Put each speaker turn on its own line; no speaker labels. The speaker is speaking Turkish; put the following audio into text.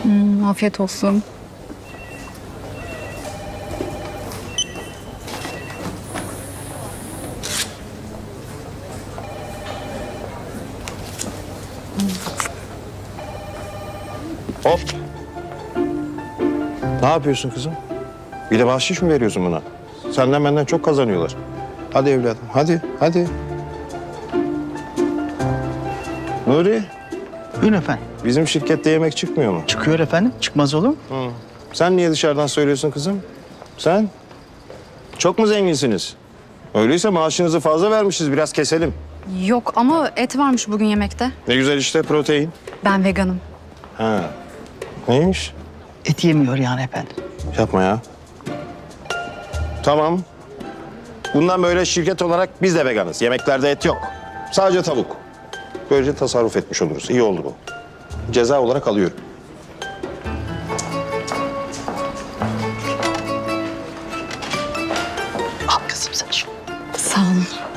Afiyet olsun.
Hop. Ne yapıyorsun kızım? Bir de bahşiş mi veriyorsun buna? Senden benden çok kazanıyorlar. Hadi evladım, hadi. Nuri,
Buyurun efendim.
bizim şirkette yemek çıkmıyor mu?
Çıkıyor efendim. Çıkmaz olur mu?
Sen niye dışarıdan söylüyorsun kızım? Sen? Çok mu zenginsiniz? Öyleyse maaşınızı fazla vermişiz, biraz keselim.
Yok ama et varmış bugün yemekte.
Ne güzel işte, protein.
Ben veganım.
Ha. Neymiş?
Et yemiyor yani efendim.
Yapma ya. Tamam. Bundan böyle şirket olarak biz de veganız. Yemeklerde et yok. Sadece tavuk. Böylece tasarruf etmiş oluruz. İyi oldu bu. Ceza olarak alıyorum.
Al kızım sen şunu.
Sağ olun.